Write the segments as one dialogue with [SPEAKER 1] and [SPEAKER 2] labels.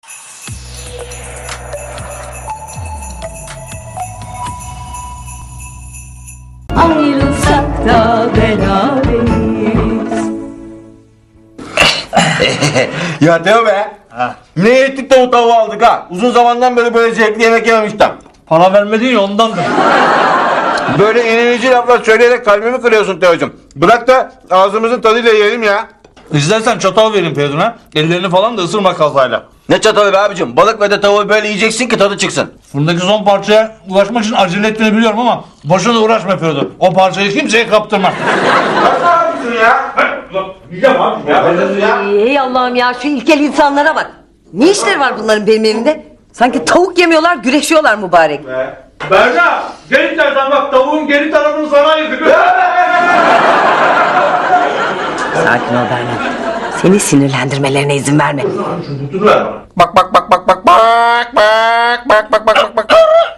[SPEAKER 1] Ayrılsak da beraberiz.
[SPEAKER 2] Ya Teo be. Ne ettik de o tavuğu aldık ha. Uzun zamandan beri böyle zevkli yemek yememiştim.
[SPEAKER 3] Para vermedin ya ondandır.
[SPEAKER 2] Böyle inilici laflar söyleyerek kalbimi kırıyorsun Teo'cum. Bırak da ağzımızın tadıyla yiyelim ya.
[SPEAKER 3] İstersen çatal vereyim Feridun'a. Ellerini falan da ısırma kazayla.
[SPEAKER 2] Ne çatalı be abicim? Balık ve de tavuğu böyle yiyeceksin ki tadı çıksın.
[SPEAKER 3] Fırındaki son parçaya ulaşmak için acele ettiğini biliyorum ama boşuna uğraşma Feridun. O parçayı kimseye kaptırma.
[SPEAKER 2] Nasıl abicim ya?
[SPEAKER 3] Yiyeceğim abi.
[SPEAKER 1] Ey Allah'ım ya, şu ilkel insanlara bak. Ne işleri var bunların benim evimde? Sanki tavuk yemiyorlar, güreşiyorlar mübarek.
[SPEAKER 3] Berna, gel istersen bak tavuğun geri tarafını sana ayırdık.
[SPEAKER 1] Sakin ol Berna. Seni sinirlendirmelerine izin verme.
[SPEAKER 3] Dur ver bana.
[SPEAKER 2] Bak bak bak bak bak bak bak bak bak bak.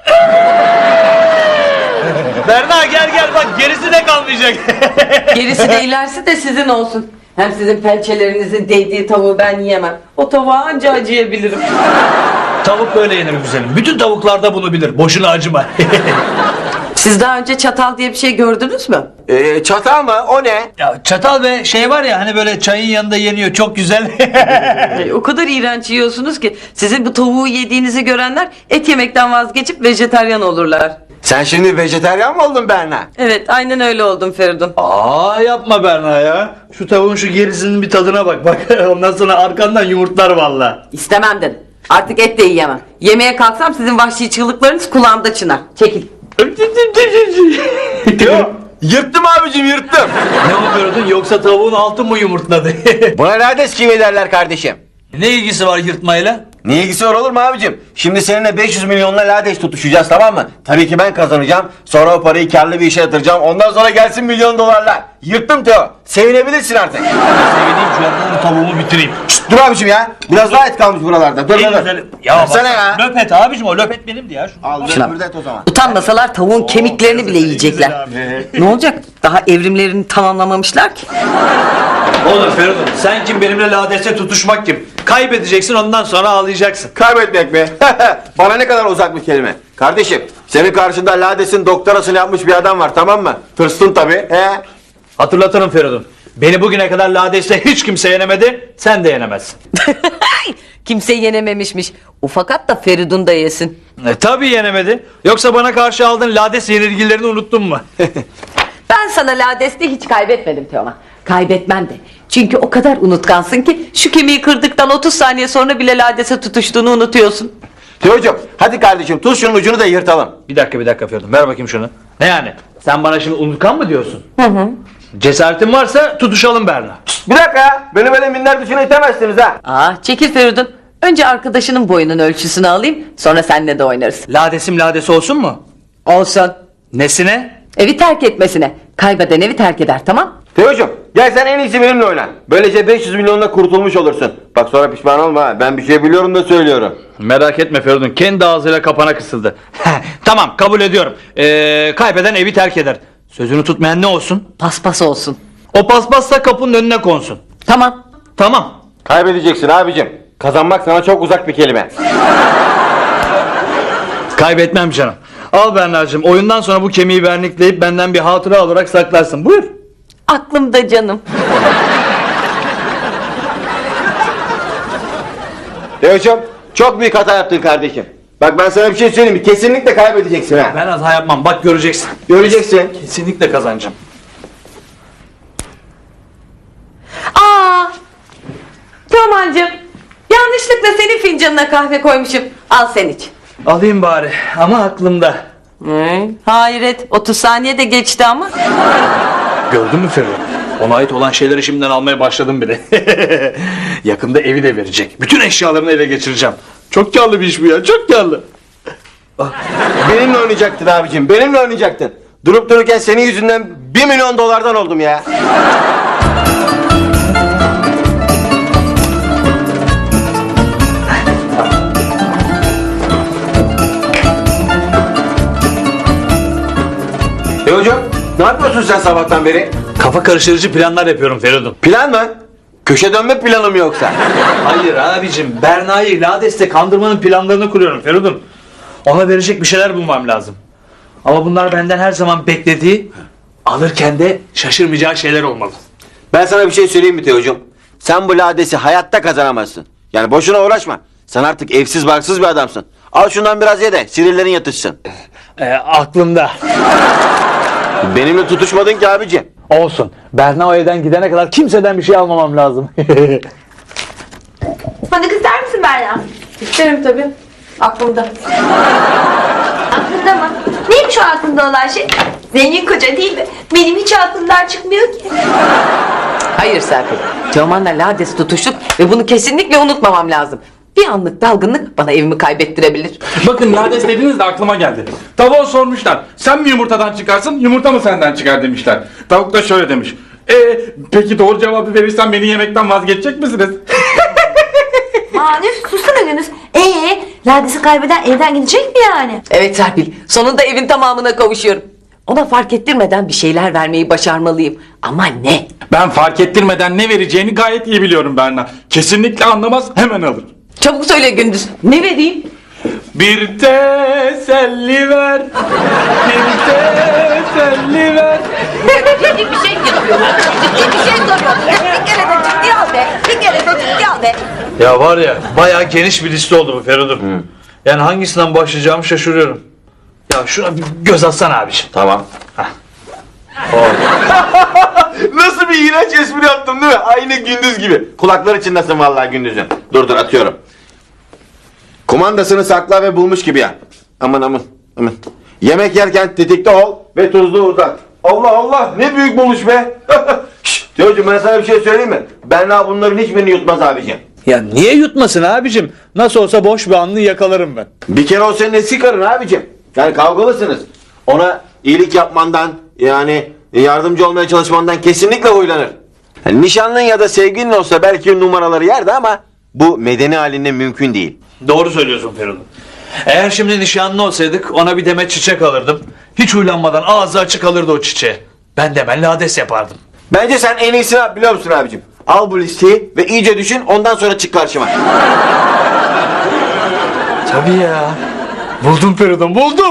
[SPEAKER 3] Berna gel bak gerisi de kalmayacak.
[SPEAKER 1] Gerisi de ilerisi de sizin olsun. Hem sizin pençelerinizin değdiği tavuğu ben yiyemem. O tavuğa anca acıyabilirim.
[SPEAKER 3] Tavuk böyle yenir güzelim. Bütün tavuklar da bunu bilir. Boşuna acıma.
[SPEAKER 1] Siz daha önce çatal diye bir şey gördünüz mü?
[SPEAKER 2] Çatal mı? O ne?
[SPEAKER 3] Ya çatal ve şey var ya hani böyle çayın yanında yeniyor çok güzel.
[SPEAKER 1] O kadar iğrenç yiyorsunuz ki sizin bu tavuğu yediğinizi görenler et yemekten vazgeçip vejetaryen olurlar.
[SPEAKER 2] Sen şimdi vejetaryen mi oldun Berna?
[SPEAKER 1] Evet, aynen öyle oldum Feridun.
[SPEAKER 3] Aa yapma Berna ya. Şu tavuğun şu gerisinin bir tadına bak. Bak ondan sonra arkandan yumurtlar valla.
[SPEAKER 1] İstemem dedim. Artık et de yiyemem. Yemeye kalksam sizin vahşi çığlıklarınız kulağımda çınar. Çekil.
[SPEAKER 2] Yok. Yırttım abicim yırttım.
[SPEAKER 3] Ne yapıyordun yoksa tavuğun altı mı yumurtladı?
[SPEAKER 2] Buna lades kimi derler kardeşim?
[SPEAKER 3] Ne ilgisi var yırtmayla?
[SPEAKER 2] Ne ilgisi var olur mu abicim? Şimdi seninle 500 milyonla lades tutuşacağız, tamam mı? Tabii ki ben kazanacağım. Sonra o parayı karlı bir işe yatıracağım. Ondan sonra gelsin milyon dolarlar. Yırttım Teo. Sevinebilirsin artık.
[SPEAKER 3] Sevineyim şu anda tavuğumu bitireyim.
[SPEAKER 2] Şşt, dur abicim ya. Biraz daha et kalmış buralarda. Dur dur dur.
[SPEAKER 3] Ya
[SPEAKER 2] Versene ya.
[SPEAKER 3] Löpet abicim o löpet benimdi ya.
[SPEAKER 2] Al
[SPEAKER 1] Şuna.
[SPEAKER 2] löpürdet o zaman.
[SPEAKER 1] Utanmasalar tavuğun kemiklerini bile yiyecekler. Ne olacak? Daha evrimlerini tamamlamamışlar ki.
[SPEAKER 3] Oğlum Feridun sen kim benimle ladeste tutuşmak kim? Kaybedeceksin ondan sonra ağlayacaksın.
[SPEAKER 2] Kaybetmek mi? Bana ne kadar uzak bir kelime. Kardeşim senin karşında ladesin doktorasını yapmış bir adam var, tamam mı? Tırstın tabii.
[SPEAKER 3] Hatırlatırım Feridun. Beni bugüne kadar ladeste hiç kimse yenemedi. Sen de yenemezsin.
[SPEAKER 1] Kimse yenememişmiş. Ufakat da Feridun da yesin.
[SPEAKER 3] Tabii yenemedi. Yoksa bana karşı aldığın lades yenilgilerini unuttun mu?
[SPEAKER 1] Ben sana ladeste hiç kaybetmedim Teoman. Kaybetmem de. Çünkü o kadar unutkansın ki şu kemiği kırdıktan 30 saniye sonra bile ladese tutuştuğunu unutuyorsun.
[SPEAKER 2] Teocuğum hadi kardeşim tut şunun ucunu da yırtalım.
[SPEAKER 3] Bir dakika Feridun ver bakayım şunu. Ne yani? Sen bana şimdi unutkan mı diyorsun?
[SPEAKER 1] Hı.
[SPEAKER 3] Cesaretin varsa tutuşalım Berna.
[SPEAKER 2] Bir dakika ya. Beni böyle minler dışına itemezsiniz ha.
[SPEAKER 1] Çekil Feridun. Önce arkadaşının boyunun ölçüsünü alayım. Sonra seninle de oynarız.
[SPEAKER 3] Ladesim ladesi olsun mu?
[SPEAKER 1] Olsun.
[SPEAKER 3] Nesine?
[SPEAKER 1] Evi terk etmesine. Kaybeden evi terk eder, tamam?
[SPEAKER 2] Teocuğum gel sen en iyisi benimle oyna. Böylece 500 milyonla kurtulmuş olursun. Bak sonra pişman olma ha. Ben bir şey biliyorum da söylüyorum.
[SPEAKER 3] Merak etme Feridun kendi ağzıyla kapana kısıldı. Tamam kabul ediyorum. Kaybeden evi terk eder. Sözünü tutmayan ne olsun?
[SPEAKER 1] Paspas olsun.
[SPEAKER 3] O paspassa kapının önüne konsun.
[SPEAKER 1] Tamam.
[SPEAKER 3] Tamam.
[SPEAKER 2] Kaybedeceksin abicim. Kazanmak sana çok uzak bir kelime.
[SPEAKER 3] Kaybetmem canım. Al Berna'cığım oyundan sonra bu kemiği vernikleyip benden bir hatıra olarak saklarsın. Buyur.
[SPEAKER 1] Aklımda canım.
[SPEAKER 2] Teocuğum çok büyük hata yaptın kardeşim. Bak ben sana bir şey söyleyeyim mi? Kesinlikle kaybedeceksin ha.
[SPEAKER 3] Ben hata yapmam bak göreceksin.
[SPEAKER 2] Göreceksin.
[SPEAKER 3] Kesinlikle kazanacağım.
[SPEAKER 1] Teoman'cığım, yanlışlıkla senin fincanına kahve koymuşum. Al sen iç.
[SPEAKER 3] Alayım bari ama aklımda.
[SPEAKER 1] Hayret, 30 saniye de geçti ama.
[SPEAKER 3] Gördün mü Feridun? Ona ait olan şeyleri şimdiden almaya başladım bile. Yakında evi de verecek. Bütün eşyalarını ele geçireceğim. Çok karlı bir iş bu ya, çok karlı.
[SPEAKER 2] Benimle oynayacaktın abicim. Benimle oynayacaktın. Durup dururken senin yüzünden 1 milyon dolardan oldum ya. Hocam ne yapıyorsun sen sabahtan beri?
[SPEAKER 3] Kafa karıştırıcı planlar yapıyorum Feridun.
[SPEAKER 2] Plan mı? Köşe dönme planı mı yoksa?
[SPEAKER 3] Hayır abicim, Berna'yı Lades'te kandırmanın planlarını kuruyorum Feridun. Ona verecek bir şeyler bulmam lazım. Ama bunlar benden her zaman beklediği, alırken de şaşırmayacağı şeyler olmalı.
[SPEAKER 2] Ben sana bir şey söyleyeyim mi Teocuğum? Sen bu ladesi hayatta kazanamazsın. Yani boşuna uğraşma. Sen artık evsiz barksız bir adamsın. Al şundan biraz ye de sinirlerin yatışsın.
[SPEAKER 3] Aklımda.
[SPEAKER 2] Benimle tutuşmadın ki abiciğim.
[SPEAKER 3] Olsun. Berna o evden gidene kadar kimseden bir şey almamam lazım.
[SPEAKER 4] Fındık ister misin Berna?
[SPEAKER 1] İsterim tabii. Aklımda.
[SPEAKER 4] Aklında mı? Neymiş o aklında olan şey? Zengin koca değil mi? Benim hiç aklımdan çıkmıyor ki.
[SPEAKER 1] Hayır Serpil. Teoman'la Lades tutuştuk ve bunu kesinlikle unutmamam lazım. Bir anlık dalgınlık bana evimi kaybettirebilir.
[SPEAKER 5] Bakın Lades dediniz de aklıma geldi. Tavuğa sormuşlar. Sen mi yumurtadan çıkarsın, yumurta mı senden çıkar demişler. Tavuk da şöyle demiş. Peki doğru cevabı verirsen beni yemekten vazgeçecek misiniz?
[SPEAKER 4] Aa ne sussana Gönüz. Lades'i kaybeden evden gidecek mi yani?
[SPEAKER 1] Evet Serpil. Sonunda evin tamamına kavuşuyorum. Ona fark ettirmeden bir şeyler vermeyi başarmalıyım. Ama ne?
[SPEAKER 5] Ben fark ettirmeden ne vereceğini gayet iyi biliyorum Berna. Kesinlikle anlamaz, hemen alır.
[SPEAKER 1] Çabuk söyle Gündüz. Ne vereyim?
[SPEAKER 5] Bir teselli ver. Bir teselli ver.
[SPEAKER 1] Ciddi bir şey yapıyorlar. Ciddi bir şey soruyorlar. Bir kere de ciddi al be. Bir kere de ciddi al be.
[SPEAKER 3] Ya var ya, bayağı geniş bir liste oldu bu Feridun. Yani hangisinden başlayacağımı şaşırıyorum. Ya şuna bir göz atsana abiciğim.
[SPEAKER 2] Tamam. Nasıl bir iğrenç espri yaptım değil mi? Aynı Gündüz gibi. Kulaklar içindesin vallahi Gündüz'ün. Dur atıyorum. Kumandasını sakla ve bulmuş gibi yap. Aman. Yemek yerken tetikte ol ve tuzlu uzat. Allah ne büyük buluş be. Şşt, Teocuğum ben sana bir şey söyleyeyim mi? Berna bunların hiçbirini yutmaz abiciğim.
[SPEAKER 3] Ya niye yutmasın abicim? Nasıl olsa boş bir anını yakalarım ben.
[SPEAKER 2] Bir kere o senin eski karın abicim. Yani kavgalısınız. Ona iyilik yapmandan yani yardımcı olmaya çalışmandan kesinlikle huylanır. Yani nişanlın ya da sevgilin olsa belki numaraları yerdi ama bu medeni halinde mümkün değil.
[SPEAKER 3] Doğru söylüyorsun Feridun. Eğer şimdi nişanlı olsaydık ona bir demet çiçek alırdım. Hiç huylanmadan ağzı açık alırdı o çiçeği. Ben de hemen lades yapardım.
[SPEAKER 2] Bence sen en iyisini yap biliyor musun abicim? Al bu listeyi ve iyice düşün ondan sonra çık karşıma.
[SPEAKER 3] Tabii ya. Buldum Feridun, buldum.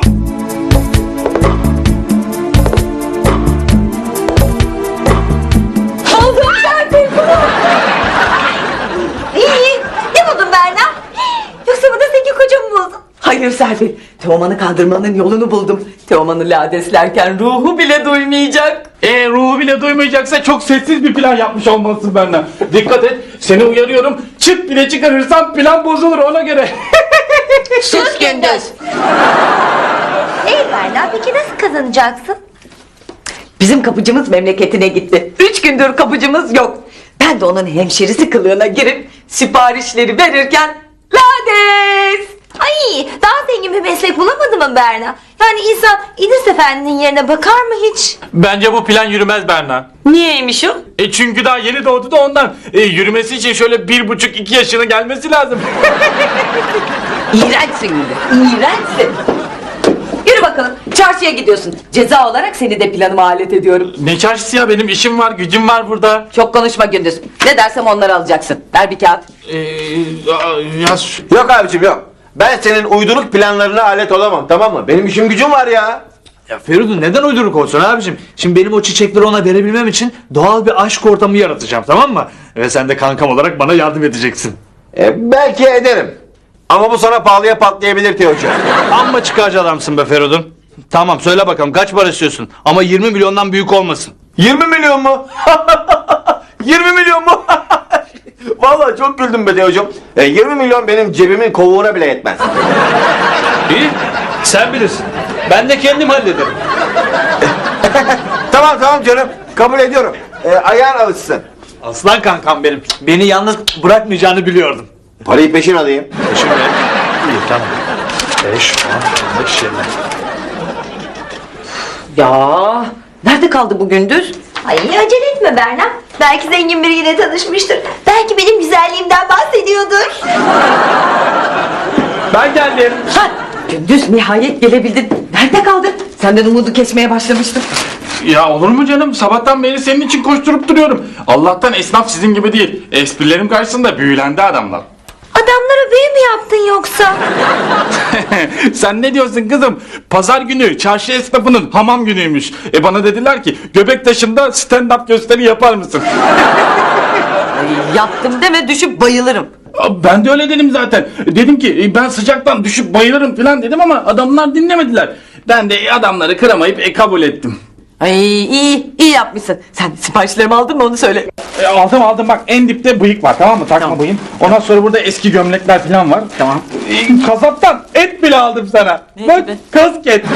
[SPEAKER 4] Buldum Serpil bunu. İyi. Ne buldun Berna? Yoksa bu da zengin kocamı buldun.
[SPEAKER 1] Hayır Serpil. Teoman'ı kandırmanın yolunu buldum. Teoman'ı ladeslerken ruhu bile duymayacak.
[SPEAKER 5] Ruhu bile duymayacaksa çok sessiz bir plan yapmış olmalısın Berna. Dikkat et, seni uyarıyorum. Çıt bile çıkarırsan plan bozulur ona göre.
[SPEAKER 1] Sus Gündüz.
[SPEAKER 4] Berna peki nasıl kazanacaksın?
[SPEAKER 1] Bizim kapıcımız memleketine gitti. 3 gündür kapıcımız yok. Ben de onun hemşerisi kılığına girip siparişleri verirken lades.
[SPEAKER 4] Ay daha zengin bir meslek bulamadın mı Berna? Yani insan İdris Efendi'nin yerine bakar mı hiç?
[SPEAKER 5] Bence bu plan yürümez Berna.
[SPEAKER 1] Niyeymiş o?
[SPEAKER 5] Çünkü daha yeni doğdu da ondan. Yürümesi için şöyle 1,5-2 yaşına gelmesi lazım.
[SPEAKER 1] İğrençsin Gündüz. İğrençsin. Yürü bakalım. Çarşıya gidiyorsun. Ceza olarak seni de planıma alet ediyorum.
[SPEAKER 5] Ne çarşısı ya, benim işim var, gücüm var burada.
[SPEAKER 1] Çok konuşma Gündüz. Ne dersem onları alacaksın. Ver bir kağıt.
[SPEAKER 5] Yaz.
[SPEAKER 2] Yok abicim yok. Ben senin uyduruk planlarına alet olamam tamam mı? Benim işim gücüm var ya.
[SPEAKER 3] Ya Feridun neden uyduruk olsun abicim? Şimdi benim o çiçekleri ona verebilmem için doğal bir aşk ortamı yaratacağım, tamam mı? Ve sen de kankam olarak bana yardım edeceksin.
[SPEAKER 2] Belki ederim. Ama bu sana pahalıya patlayabilir Teocuğum.
[SPEAKER 3] Amma çıkarcı adamsın be Feridun. Tamam söyle bakalım kaç para istiyorsun? Ama 20 milyondan büyük olmasın.
[SPEAKER 2] 20 milyon mu? 20 milyon mu? Vallahi çok güldüm be Teocuğum. 20 milyon benim cebimin kovuğuna bile yetmez.
[SPEAKER 3] İyi, sen bilirsin. Ben de kendim hallederim.
[SPEAKER 2] Tamam canım. Kabul ediyorum. Ayağın alışsın.
[SPEAKER 3] Aslan kankam benim. Beni yalnız bırakmayacağını biliyordum.
[SPEAKER 2] Parayı peşin alayım.
[SPEAKER 3] Şimdi iyi tamam. 5, 10, 15, 20.
[SPEAKER 1] Ya nerede kaldı bu Gündüz?
[SPEAKER 4] Ay acele etme Berna. Belki zengin biriyle tanışmıştır. Belki benim güzelliğimden bahsediyordur.
[SPEAKER 5] Ben geldim.
[SPEAKER 1] Ha, Gündüz nihayet gelebildin. Nerede kaldın? Senden umudu kesmeye başlamıştım.
[SPEAKER 5] Ya olur mu canım? Sabahtan beri senin için koşturup duruyorum. Allah'tan esnaf sizin gibi değil. Esprilerim karşısında büyülendi adamlar.
[SPEAKER 4] Adamlara büyü mü yaptın yoksa?
[SPEAKER 5] Sen ne diyorsun kızım? Pazar günü çarşı esnafının hamam günüymüş. Bana dediler ki Göbektaşı'nda stand-up gösteri yapar mısın?
[SPEAKER 1] Yaptım deme, düşüp bayılırım.
[SPEAKER 5] Ben de öyle dedim zaten. Dedim ki ben sıcaktan düşüp bayılırım falan dedim ama adamlar dinlemediler. Ben de adamları kıramayıp kabul ettim.
[SPEAKER 1] Ay iyi yapmışsın. Sen siparişlerimi aldın mı onu söyle.
[SPEAKER 5] Aldım bak, en dipte bıyık var, tamam mı? Takma
[SPEAKER 1] Tamam.
[SPEAKER 5] bıyığım. Ondan sonra burada eski gömlekler falan var.
[SPEAKER 1] Tamam.
[SPEAKER 5] Kasaptan et bile aldım sana.
[SPEAKER 1] Ne
[SPEAKER 5] Bak,
[SPEAKER 1] gibi?
[SPEAKER 5] kasket.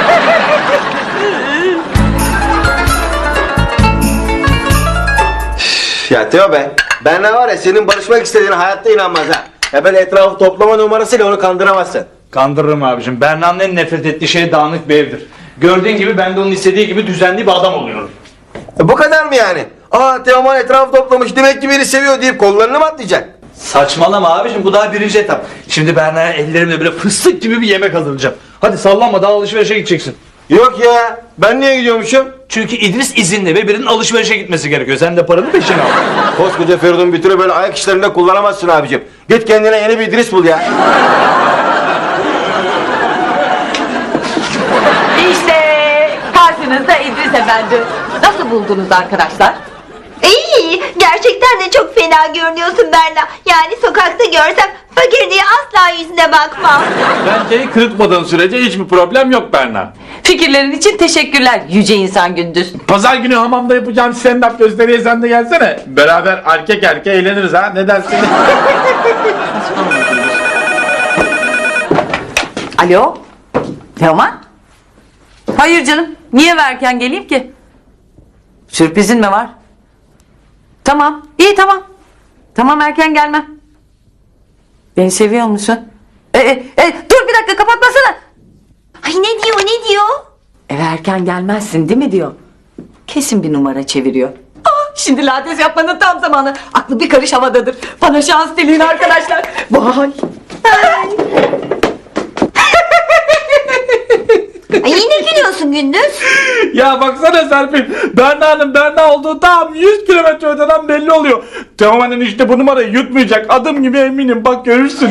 [SPEAKER 2] Ya Teo be, ben ne var ya, senin barışmak istediğine hayatta inanmaz ha. Ya böyle etrafı toplama numarasıyla onu kandıramazsın.
[SPEAKER 3] Kandırırım abicim. Berna'nın en nefret ettiği şey dağınık bir evdir. Gördüğün gibi ben de onun istediği gibi düzenli bir adam oluyorum.
[SPEAKER 2] Bu kadar mı yani? Aa, Teoman etrafı toplamış, demek ki beni seviyor deyip kollarını mı atlayacak?
[SPEAKER 3] Saçmalama abicim, bu daha birinci etap. Şimdi Berna'ya ellerimle böyle fıstık gibi bir yemek hazırlayacağım. Hadi sallanma, daha alışverişe gideceksin.
[SPEAKER 2] Yok ya, ben niye gidiyormuşum?
[SPEAKER 3] Çünkü İdris izinli ve birinin alışverişe gitmesi gerekiyor. Sen de paranı peşine al.
[SPEAKER 2] Koskoca Feridun bir türlü böyle ayak işlerinde kullanamazsın abicim. Git kendine yeni bir İdris bul ya.
[SPEAKER 1] İşte karşınızda İdris Efendi. Nasıl buldunuz arkadaşlar?
[SPEAKER 4] İyi, gerçekten de çok fena görünüyorsun Berna. Yani sokakta görsem fakir diye asla yüzüne bakmam.
[SPEAKER 5] Bence kırıtmadığın sürece hiçbir problem yok Berna.
[SPEAKER 1] Fikirlerin için teşekkürler yüce insan Gündüz.
[SPEAKER 5] Pazar günü hamamda yapacağım stand-up gösteriye sen de gelsene. Beraber erkek eğleniriz ha, ne dersin?
[SPEAKER 1] Alo? Teoman? Hayır canım. Niye erken geleyim ki? Sürprizin mi var? Tamam. İyi tamam. Tamam, erken gelmem. Beni seviyor musun? Dur bir dakika, kapatmasana.
[SPEAKER 4] Ay ne diyor ne diyor?
[SPEAKER 1] Eve erken gelmezsin değil mi diyor. Kesin bir numara çeviriyor. Şimdi lades yapmanın tam zamanı. Aklı bir karış havadadır. Bana şans dileyin arkadaşlar. Vay.
[SPEAKER 4] Ay yine gülüyorsun Gündüz.
[SPEAKER 5] Ya baksana Serpil, Berna'nın Berna olduğu tam 100 kilometre öteden belli oluyor. Teoman'ın işte bu numarayı yutmayacak, adım gibi eminim, bak görürsün.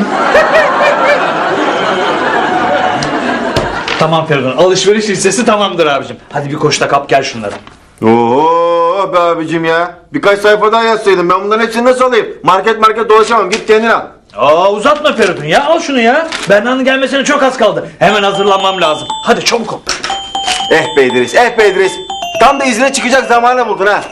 [SPEAKER 3] Tamam Feridun, alışveriş listesi tamamdır abicim. Hadi bir koşta kap gel şunları.
[SPEAKER 2] Oo be abicim ya. Birkaç sayfa daha yazsaydın, ben bunların hepsini nasıl alayım? Market dolaşamam, git kendin al.
[SPEAKER 3] Aa, uzatma Feridun ya, al şunu ya. Berna'nın gelmesine çok az kaldı. Hemen hazırlanmam lazım. Hadi çabuk ol.
[SPEAKER 2] Eh be İdris. Tam da izine çıkacak zamanı buldun ha.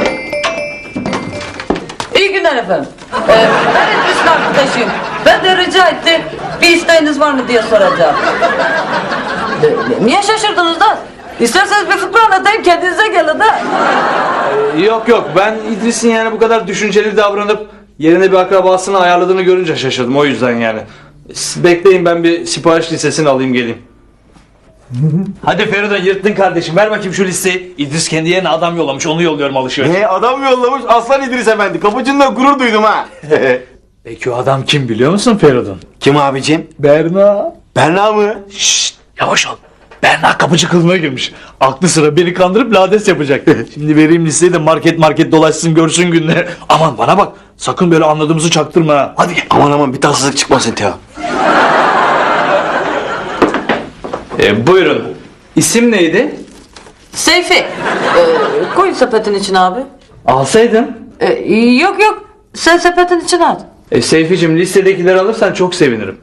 [SPEAKER 1] İyi günler efendim. Ben İdris'in arkadaşıyım. Ben de rica etti. Bir isteğiniz var mı diye soracağım. Niye şaşırdınız da? İsterseniz bir fıkra anlatayım, kendinize gelin de.
[SPEAKER 3] Yok, ben İdris'in yani bu kadar düşünceli davranıp yerine bir akrabasını ayarladığını görünce şaşırdım, o yüzden yani. Bekleyin, ben bir sipariş listesini alayım geleyim. Hadi Feridun, yırttın kardeşim, ver bakayım şu listeyi. İdris kendi yerine adam yollamış, onu yolluyorum alışveriş.
[SPEAKER 2] Adam yollamış, Aslan İdris Efendi. Kapıcında gurur duydum ha.
[SPEAKER 3] Peki o adam kim biliyor musun Feridun?
[SPEAKER 2] Kim abicim?
[SPEAKER 3] Berna.
[SPEAKER 2] Berna mı?
[SPEAKER 3] Şşt, yavaş ol. Berna kapıcı kılığına girmiş. Aklı sıra beni kandırıp lades yapacak. Şimdi vereyim listeyi de market dolaşsın, görsün günleri. Aman bana bak, sakın böyle anladığımızı çaktırma ha. Hadi gel.
[SPEAKER 2] Aman bir tatsızlık çıkmasın Teo.
[SPEAKER 3] Buyurun. İsim neydi?
[SPEAKER 1] Seyfi. Koy sepetin içine abi.
[SPEAKER 3] Alsaydın.
[SPEAKER 1] Yok. Sen sepetin içine at.
[SPEAKER 3] Seyficim, listedekileri alırsan çok sevinirim.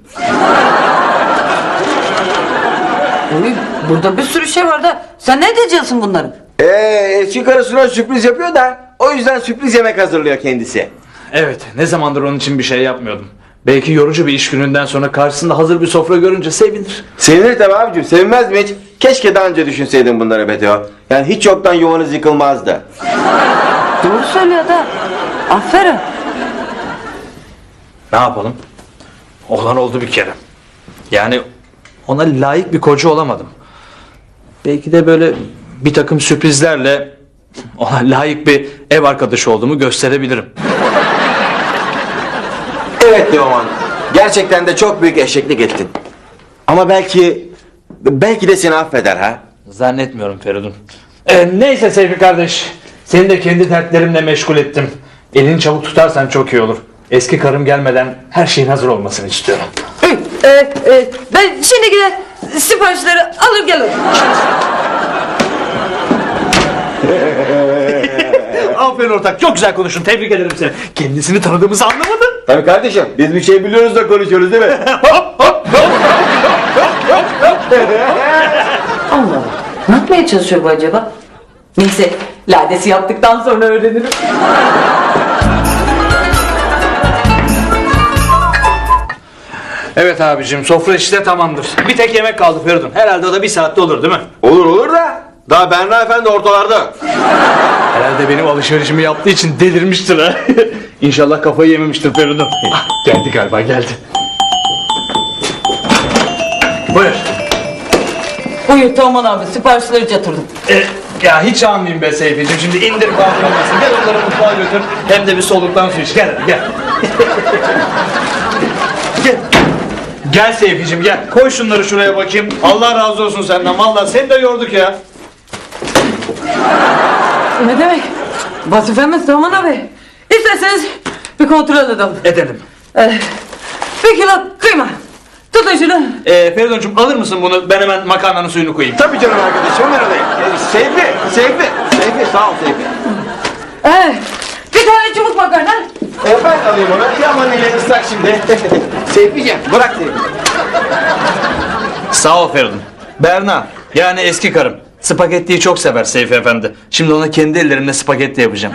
[SPEAKER 1] Burada bir sürü şey var da sen ne diyeceksin bunların?
[SPEAKER 2] Eski karısına sürpriz yapıyor da o yüzden sürpriz yemek hazırlıyor kendisi.
[SPEAKER 3] Evet, ne zamandır onun için bir şey yapmıyordum. Belki yorucu bir iş gününden sonra karşısında hazır bir sofra görünce sevinir.
[SPEAKER 2] Sevinir tabi abicim, sevinmez mi hiç? Keşke daha önce düşünseydin bunları be Teo. Yani hiç yoktan yuvanız yıkılmazdı.
[SPEAKER 1] Doğru söylüyor da. Aferin.
[SPEAKER 3] Ne yapalım? Olan oldu bir kere. Yani ona layık bir koca olamadım. Belki de böyle bir takım sürprizlerle ona layık bir ev arkadaşı olduğumu gösterebilirim.
[SPEAKER 2] Evet Teoman, gerçekten de çok büyük eşeklik ettin. Ama belki de seni affeder ha.
[SPEAKER 3] Zannetmiyorum Feridun. Neyse Seyfi kardeş. Seni de kendi dertlerimle meşgul ettim. Elini çabuk tutarsan çok iyi olur. Eski karım gelmeden her şeyin hazır olmasını istiyorum.
[SPEAKER 1] Ben şimdi gider siparişleri alır gelirim.
[SPEAKER 3] Aferin ortak, çok güzel konuştun. Tebrik ederim seni. Kendisini tanıdığımızı anlamadın.
[SPEAKER 2] Tabii kardeşim biz bir şey biliyoruz da konuşuyoruz değil mi?
[SPEAKER 1] Allah Allah. Ne yapmaya çalışıyor bu acaba? Neyse ladesi yaptıktan sonra öğrenirim.
[SPEAKER 3] Evet abicim, sofra işi de tamamdır. Bir tek yemek kaldı Feridun. Herhalde o da bir saatte olur değil mi?
[SPEAKER 2] Olur da daha Berna Efendi ortalarda.
[SPEAKER 3] Herhalde benim alışverişimi yaptığı için delirmiştir ha. İnşallah kafayı yememiştir Feridun. Geldi galiba, geldi. Buyur.
[SPEAKER 1] Buyur Teoman abi siparişleri yatırdım.
[SPEAKER 3] Ya hiç almayayım be Seyfi'cim. Şimdi indir kaldıramazsın. Gel onları mutfağa götür. Hem de bir soluktan su iç. Gel hadi gel. Gel. Gel Seyfi'cim gel. Koy şunları şuraya bakayım. Allah razı olsun senden. Vallahi seni de yorduk ya.
[SPEAKER 1] Ne demek? Vazifemiz Teoman abi. İsterseniz bir kontrol edelim.
[SPEAKER 3] Edelim.
[SPEAKER 1] Bir kilo kıyma. Tutun şunu.
[SPEAKER 3] Feridun'cum alır mısın bunu? Ben hemen makarnanın suyunu koyayım.
[SPEAKER 2] Tabii canım arkadaşım hemen alayım. Seyfi sağ ol Seyfi.
[SPEAKER 1] Bir tane çubuk makarna.
[SPEAKER 2] Ben alayım onu. Yaman ile ıslak şimdi. Seyfi'ciğim bırak Seyfi.
[SPEAKER 3] Sağ ol Feridun. Berna, yani eski karım. Spagettiyi çok sever Seyfi Efendi. Şimdi ona kendi ellerimle spagetti yapacağım.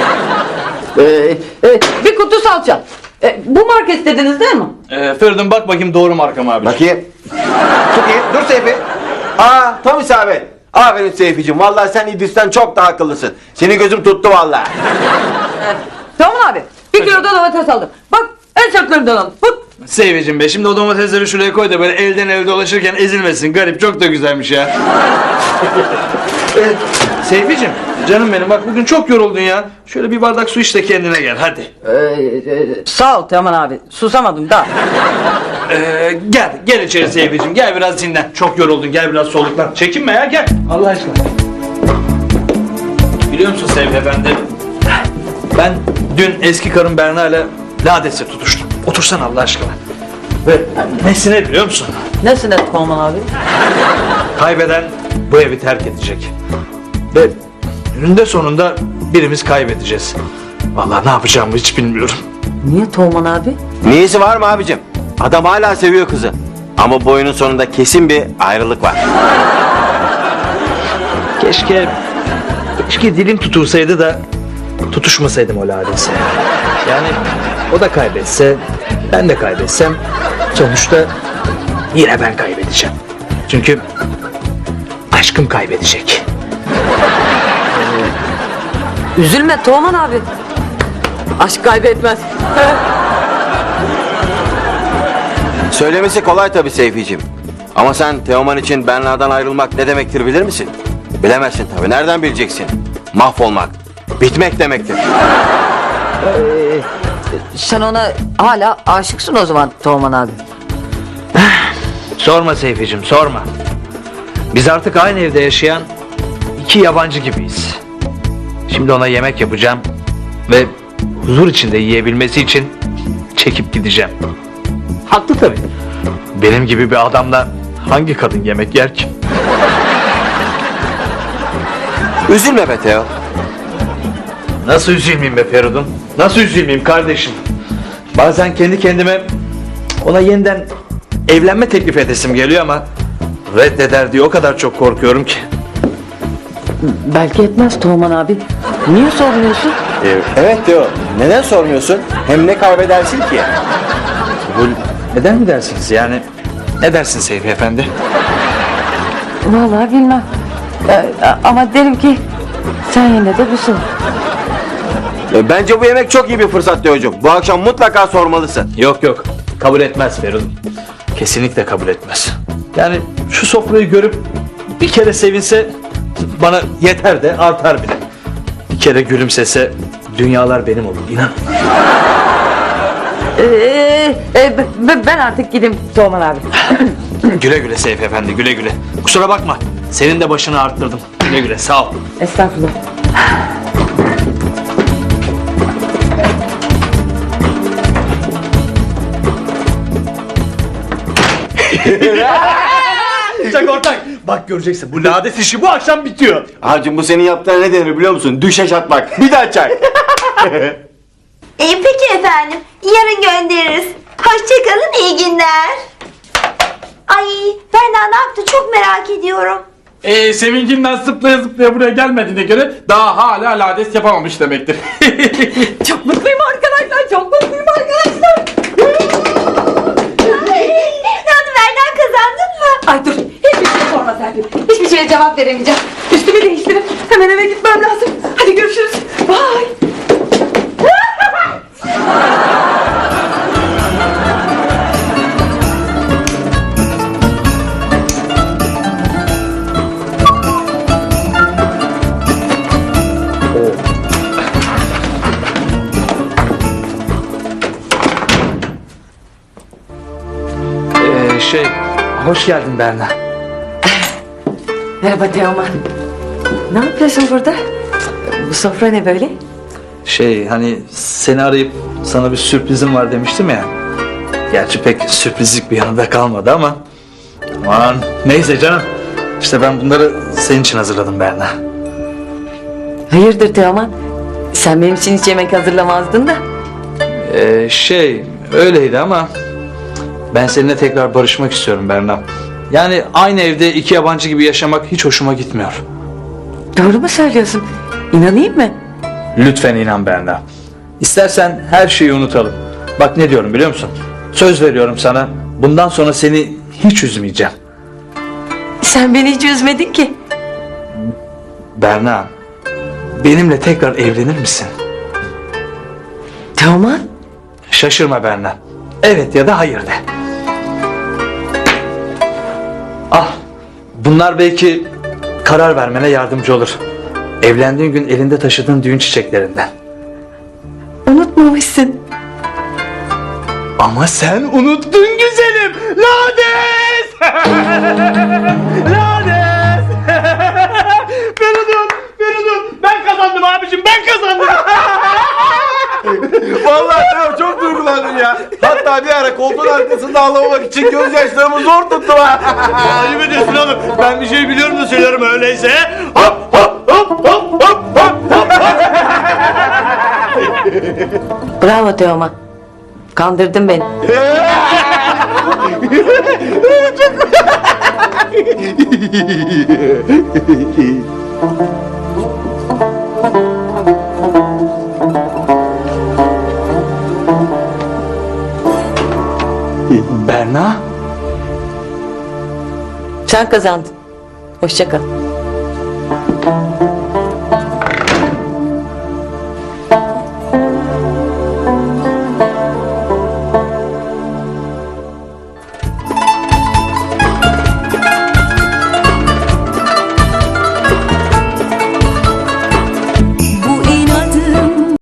[SPEAKER 1] Bir kutu salça. Bu market dediniz değil mi?
[SPEAKER 3] Feridun bak bakayım doğru marka mı abi?
[SPEAKER 2] Bakayım. Bakayım. Dur Seyfi. Tam isabet. Aferin Seyfi'cim. Vallahi sen İdris'ten çok daha akıllısın. Senin gözüm tuttu vallahi.
[SPEAKER 1] Teoman abi. Bir kilo da domates aldım. Bak en çaklarından aldım. Bak.
[SPEAKER 3] Seyfi'cim be, şimdi o domatesleri şuraya koy da böyle elden ele dolaşırken ezilmesin. Garip, çok da güzelmiş ya. Seyfi'cim, canım benim bak bugün çok yoruldun ya. Şöyle bir bardak su iç de kendine gel hadi.
[SPEAKER 1] Sağ ol Teoman abi. Susamadım da.
[SPEAKER 3] Gel içeri Seyfi'cim, gel biraz dinlen. Çok yoruldun, gel biraz soluklan. Çekinme ya, gel. Allah aşkına. Biliyor musun Seyfi Efendi? Ben dün eski karım Berna ile ladesi tutuştum. Otursana Allah aşkına. Ve nesine biliyor musun?
[SPEAKER 1] Nesine Teoman abi?
[SPEAKER 3] Kaybeden bu evi terk edecek. Ve önünde sonunda birimiz kaybedeceğiz. Vallahi ne yapacağımı hiç bilmiyorum.
[SPEAKER 1] Niye Teoman abi?
[SPEAKER 2] Niyesi var mı abicim? Adam hala seviyor kızı. Ama bu oyunun sonunda kesin bir ayrılık var.
[SPEAKER 3] Keşke dilim tutulsaydı da tutuşmasaydım o ladesi. Yani o da kaybetse, ben de kaybetsem sonuçta yine ben kaybedeceğim. Çünkü aşkım kaybedecek.
[SPEAKER 1] Üzülme Teoman abi. Aşk kaybetmez.
[SPEAKER 2] Söylemesi kolay tabii Seyfi'cim. Ama sen Teoman için Berna'dan ayrılmak ne demektir bilir misin? Bilemezsin tabii. Nereden bileceksin? Mahvolmak, bitmek demektir.
[SPEAKER 1] Sen ona hala aşıksın o zaman Teoman abi.
[SPEAKER 3] Sorma Seyfi'cim, sorma. Biz artık aynı evde yaşayan iki yabancı gibiyiz. Şimdi ona yemek yapacağım ve huzur içinde yiyebilmesi için çekip gideceğim. Haklı tabii. Benim gibi bir adamla hangi kadın yemek yer ki?
[SPEAKER 2] Üzülme be Teo.
[SPEAKER 3] Nasıl üzülmeyeyim be Feridun? Nasıl üzülmeyeyim kardeşim? Bazen kendi kendime ona yeniden evlenme teklif edesim geliyor ama reddeder diye o kadar çok korkuyorum ki.
[SPEAKER 1] Belki etmez Teoman abi. Niye sormuyorsun?
[SPEAKER 2] Evet Teo. Neden sormuyorsun? Hem ne kaybedersin ki?
[SPEAKER 3] Neden mi dersiniz yani? Ne dersin Seyfi Efendi?
[SPEAKER 1] Vallahi bilmem. Ama derim ki sen yine de bir sor.
[SPEAKER 2] Bence bu yemek çok iyi bir fırsat Teo'cum. Bu akşam mutlaka sormalısın.
[SPEAKER 3] Yok kabul etmez Feridun. Kesinlikle kabul etmez. Yani şu sofrayı görüp bir kere sevinse bana yeter de artar bile. Bir kere gülümsese dünyalar benim olur, inan.
[SPEAKER 1] Ben artık gideyim Teoman abi.
[SPEAKER 3] Güle güle Seyfi Efendi, güle güle. Kusura bakma, senin de başını arttırdım. Güle güle sağ ol.
[SPEAKER 1] Estağfurullah.
[SPEAKER 3] Çak ortak. Bak göreceksin bu lades işi bu akşam bitiyor.
[SPEAKER 2] Abicim bu senin yaptığına ne denir biliyor musun? Düşeş atmak. Bir daha çak.
[SPEAKER 4] Peki efendim. Yarın göndeririz. Hoşçakalın, iyi günler. Ay, Berna ne yaptı çok merak ediyorum.
[SPEAKER 5] Sevincinden zıplaya zıplaya buraya gelmediğine göre daha hala lades yapamamış demektir.
[SPEAKER 1] Çok mutluyum arkadaşlar. Çok mutluyum arkadaşlar.
[SPEAKER 4] Ne oldu Berna, kazandın mı?
[SPEAKER 1] Ay dur. Hiçbir şey sorma Serpil. Hiçbir şeye cevap veremeyeceğim. Üstümü değiştirip hemen eve gitmem lazım. Hadi görüşürüz. Bye.
[SPEAKER 3] Hoş geldin Berna.
[SPEAKER 1] Merhaba Teoman. Ne yapıyorsun burada? Bu sofra ne böyle?
[SPEAKER 3] Hani seni arayıp sana bir sürprizim var demiştim ya. Gerçi pek sürprizlik bir yanında kalmadı ama. Aman neyse canım. İşte ben bunları senin için hazırladım Berna.
[SPEAKER 1] Hayırdır Teoman? Sen benim için hiç yemek hazırlamazdın da.
[SPEAKER 3] Öyleydi ama ben seninle tekrar barışmak istiyorum Berna. Yani aynı evde iki yabancı gibi yaşamak hiç hoşuma gitmiyor.
[SPEAKER 1] Doğru mu söylüyorsun? İnanayım mı?
[SPEAKER 3] Lütfen inan Berna. İstersen her şeyi unutalım. Bak ne diyorum biliyor musun? Söz veriyorum sana. Bundan sonra seni hiç üzmeyeceğim.
[SPEAKER 1] Sen beni hiç üzmedin ki.
[SPEAKER 3] Berna, benimle tekrar evlenir misin?
[SPEAKER 1] Teoman?
[SPEAKER 3] Şaşırma Berna. Evet ya da hayır de. Ah, bunlar belki karar vermene yardımcı olur. Evlendiğin gün elinde taşıdığın düğün çiçeklerinden.
[SPEAKER 1] Unutmamışsın.
[SPEAKER 3] Ama sen unuttun güzelim. Lades! Lades! Feridun, ben kazandım abicim, ben kazandım.
[SPEAKER 2] Vallahi Teo çok duygulandım ya. Hatta bir ara koltuğun arkasında ağlamamak için gözyaşlarımı zor tuttum ha.
[SPEAKER 3] Ayıp ediyorsun oğlum. Ben bir şey biliyorum da söylerim öyleyse. Hop hop hop hop hop hop.
[SPEAKER 1] Bravo Teoman. Kandırdın beni.
[SPEAKER 3] Berna?
[SPEAKER 1] Sen kazandın. Hoşça kal.